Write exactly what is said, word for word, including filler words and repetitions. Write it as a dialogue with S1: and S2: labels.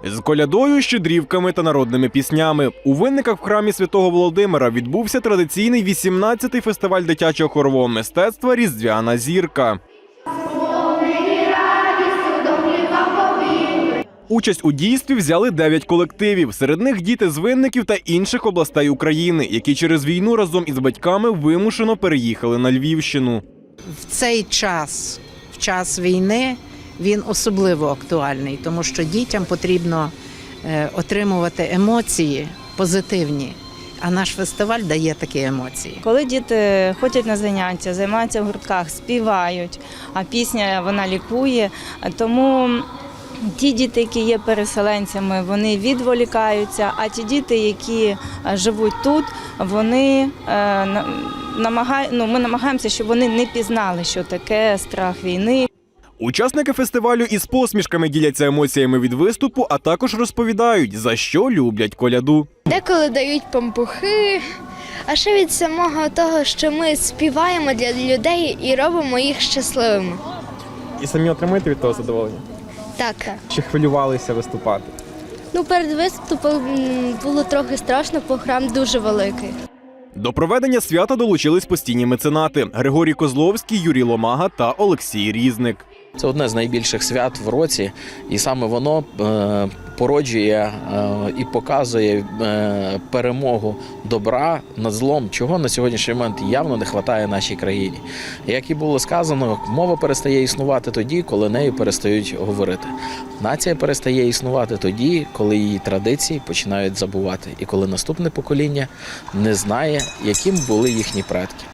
S1: З колядою, щедрівками та народними піснями. У Винниках в храмі Святого Володимира відбувся традиційний вісімнадцятий фестиваль дитячого хорового мистецтва «Різдвяна зірка». Участь у дійстві взяли дев'ять колективів. Серед них діти з Винників та інших областей України, які через війну разом із батьками вимушено переїхали на Львівщину.
S2: В цей час, в час війни, він особливо актуальний, тому що дітям потрібно отримувати емоції позитивні, а наш фестиваль дає такі емоції.
S3: Коли діти ходять на заняття, займаються в гуртках, співають, а пісня вона лікує, тому ті діти, які є переселенцями, вони відволікаються, а ті діти, які живуть тут, вони намагають, ну, ми намагаємося, щоб вони не пізнали, що таке страх війни.
S1: Учасники фестивалю із посмішками діляться емоціями від виступу, а також розповідають, за що люблять коляду.
S4: Деколи дають пампухи, а ще від самого того, що ми співаємо для людей і робимо їх щасливими.
S5: І самі отримуєте від того задоволення?
S4: Так.
S5: Чи хвилювалися виступати?
S4: Ну, перед виступом було трохи страшно, бо храм дуже великий.
S1: До проведення свята долучились постійні меценати – Григорій Козловський, Юрій Ломага та Олексій Різник.
S6: Це одне з найбільших свят в році, і саме воно е, породжує е, і показує е, перемогу добра над злом, чого на сьогоднішній момент явно не вистачає нашій країні. Як і було сказано, мова перестає існувати тоді, коли нею перестають говорити. Нація перестає існувати тоді, коли її традиції починають забувати, і коли наступне покоління не знає, яким були їхні предки.